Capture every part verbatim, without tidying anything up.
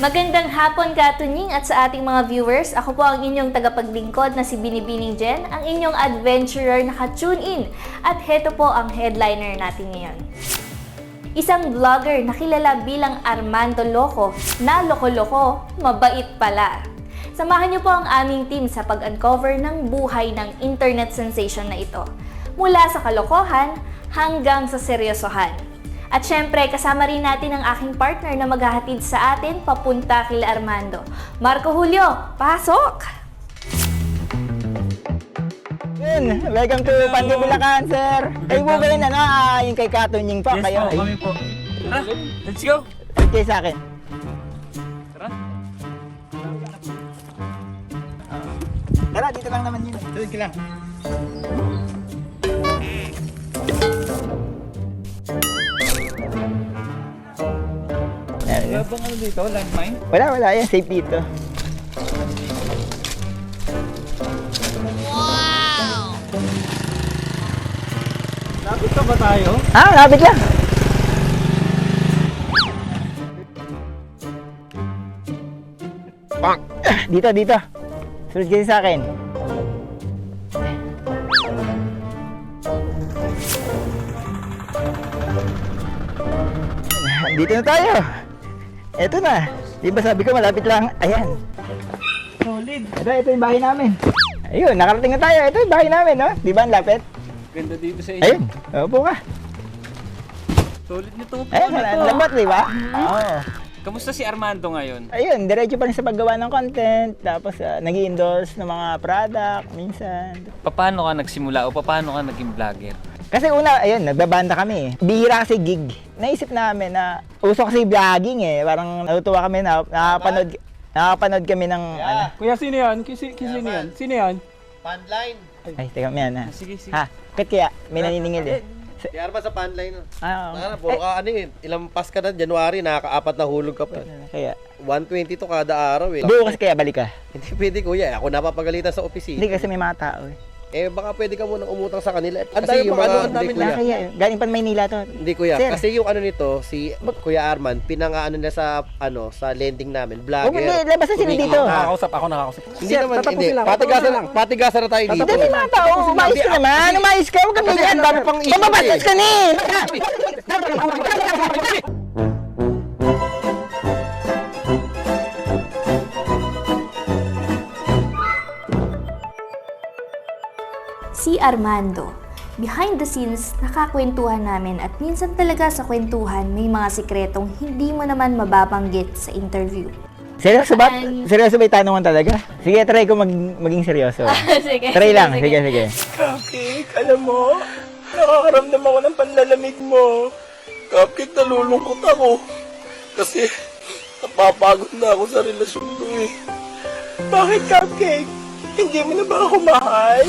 Magandang hapon Katunying at sa ating mga viewers. Ako po ang inyong tagapaglingkod na si Binibining Jen, ang inyong adventurer na ka-tune in. At heto po ang headliner natin ngayon. Isang vlogger na kilala bilang Armando Loco na loko-loko, mabait pala. Samahan niyo po ang aming team sa pag-uncover ng buhay ng internet sensation na ito. Mula sa kalokohan hanggang sa seryosohan. At syempre, kasama rin natin ang aking partner na maghahatid sa atin papunta kila Armando. Marco Julio, pasok! Yun, welcome to Pandi Bulacan, sir. Kayo po ba yun, ano, ah, yung kay Katunying po, Yes kayo? po, kami po. Tara, let's go! Okay sa akin. Tara. Tara, dito lang naman yun. Tuloy ka lang. Wala bang ano dito? Landmine? Wala, wala yan, safe dito. Lapit ka ba tayo? Ah, lapit lang. Ah, dito, dito. Sunod kayo sa akin. Dito na tayo. Eto na. Di ba sabi ko malapit lang? Ayan. Solid. Ito, ito yung bahay namin. Ayun, nakarating na tayo. Ito yung bahay namin, no? Di ba ang lapit? Ganda dito sa inyo. Ayun, upo ka. Solid nito po Ayun, na to. ang lambat, di ba? Oo. Kamusta si Armando ngayon? Ayun, diretso pa rin sa paggawa ng content. Tapos, uh, nag-i-endorse ng mga product, minsan. Paano ka nagsimula o paano ka naging vlogger? Kasi una, ayun, nagbabanda kami. Bihira kasi gig. Naisip namin na uso kasi vlogging eh. Parang natutuwa kami na nakapanood, nakapanood kami ng ano. Kuya, sino yan? Kisi, kisi sino yan? Sino yan? Punline. Ay, teka, may ano. Sige, sige. Ha, bakit kaya? May naniningil eh. Di Arman sa punline. Ah, Ano, puro ka ano eh. Ilang pas ka na, January, nakaka-apat na hulog ka pa. kaya. one twenty to kada araw eh. Bukas kaya balik ka. Hindi pwede kuya, ako napapagalitan sa opisina. Hindi kasi may mga tao eh. Eh baka pwede ka munang umutang sa kanila. Ang Kasi dami yung pang mga, ano, ang hindi dami kuya. na kaya. Galing pa Maynila to. Hindi kuya, Sir. kasi yung ano nito, si Kuya Arman, pinangaano na sa ano, sa lending namin, Huwag vlogger. hindi, labas na sila kumikita. dito. Nakakausap ako, nakakausap. Hindi naman, hindi. lang. Patigasan lang, patigasan na tayo dito. Hindi, may mga tao. Umayos ka naman. Umayos ka. Huwag kang Kasi ganyan. ang dami pang issue Mababastos eh. ka ni. Si Armando. Behind the scenes, nakakwentuhan namin at minsan talaga sa kwentuhan may mga sikretong hindi mo naman mababanggit sa interview. Seryoso ba? And- Seryoso ba yung tanungan talaga? Sige, try ko mag maging seryoso. sige. Try lang. Sige, sige. Cupcake, alam mo, nakakaramdam ako ng panlalamig mo. Cupcake, nalulungkot ako. Kasi, napapagod na ako sa relasyon ko eh. Bakit, Cupcake? Hindi mo na ba ako mahal?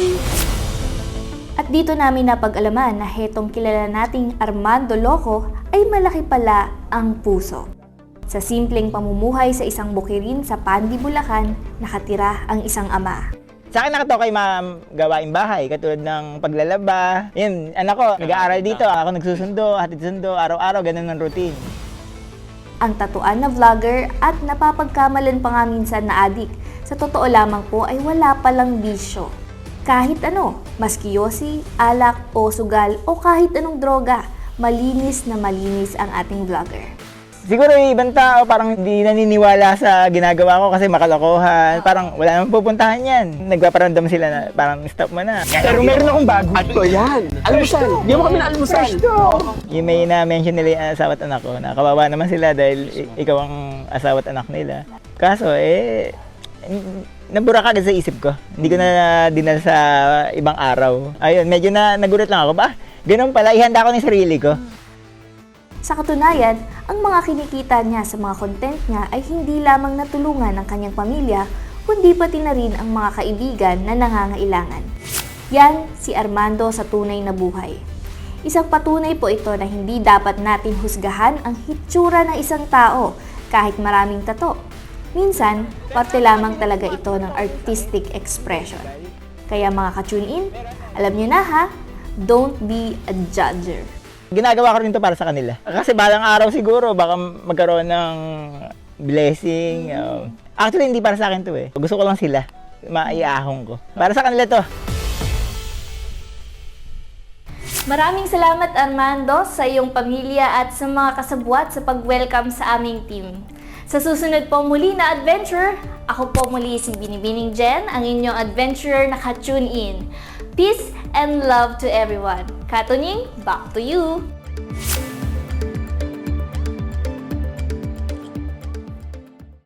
At dito namin napag-alaman na hetong kilala nating Armando Loco ay malaki pala ang puso. Sa simpleng pamumuhay sa isang bukirin sa Pandi, Bulacan, nakatira ang isang ama. Sa akin nakatawa kay ma'am gawaing bahay, katulad ng paglalaba. Yun, anak ko, nag-aaral dito, ako nagsusundo, hatid sundo, araw-araw, ganun ang routine. Ang tatuan na vlogger at napapagkamalan pa nga minsan na adik. Sa totoo lamang po ay wala palang bisyo. Kahit ano, maski yosi, alak o sugal o kahit anong droga, malinis na malinis ang ating vlogger. Siguro yung ibang tao parang hindi naniniwala sa ginagawa ko kasi makalokohan. Parang wala namang pupuntahan yan. Nagpaparamdam sila na parang stop mo na. Pero meron akong bago. At ko yan. Almusal. Di mo kami na almusal. Yung may na-mention nila yung asawa at anak ko, na kawawa naman sila dahil i- ikaw ang asawa at anak nila. Kaso eh, n- nabura ka agad sa isip ko. Hindi ko na dinala sa ibang araw. Ayun, medyo na nagulat lang ako. Ba, ganun pala, ihanda ko ng sarili ko. Sa katunayan, ang mga kinikita niya sa mga content niya ay hindi lamang natulungan ang kanyang pamilya, kundi pati na rin ang mga kaibigan na nangangailangan. Yan si Armando sa tunay na buhay. Isang patunay po ito na hindi dapat natin husgahan ang hitsura ng isang tao kahit maraming tato. Minsan, parte lamang talaga ito ng artistic expression. Kaya mga ka-tune in, alam niyo na ha, don't be a judger. Ginagawa ko rin to para sa kanila. Kasi balang araw siguro, baka magkaroon ng blessing. Um, actually, hindi para sa akin to eh. Gusto ko lang sila. Maiahong ko. Para sa kanila to. Maraming salamat Armando sa iyong pamilya at sa mga kasabwat sa pag-welcome sa aming team. Sa susunod po muli na adventure, ako po muli si Binibining Jen, ang inyong adventurer na ka-tune in. Peace and love to everyone. Katunying, back to you!